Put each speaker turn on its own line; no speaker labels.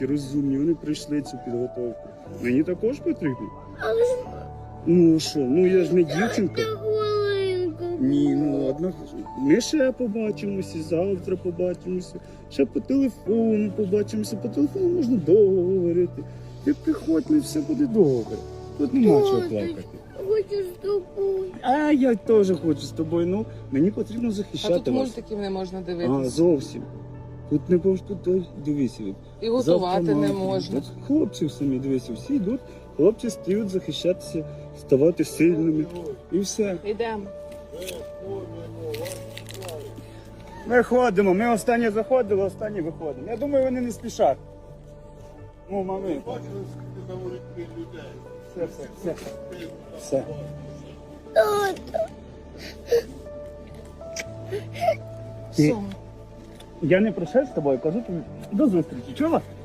розумні, вони пройшли цю підготовку. Мені також потрібно.
Але ж
Ну що, ну я ж не дівчинка.
та хвилинку.
Ні, ну одна. Ми ще побачимося, завтра побачимося, ще по телефону побачимося, по телефону можна довго говорити. Ти приходь, і все буде добре. Тут нема чого плакати.
Хочу з тобою.
А я теж хочу з тобою. Ну, мені потрібно
А
захищати
тут
вас.
мультиків не можна
А,
дивитися.
зовсім. Тут не повинно, тут дивися.
І готувати
завтра
не
мати.
можна.
От хлопці самі, дивися, всі йдуть, хлопці стають захищатися, ставати сильними. І все.
Йдемо.
Ми ходимо, ми останнє заходили, останнє виходимо. Я думаю, вони не спішать. Ну, мами. Все. Все.
Тато.
Ти-
Все.
Я не прощаюсь з тобою, кажу тобі до зустрічі. Чула?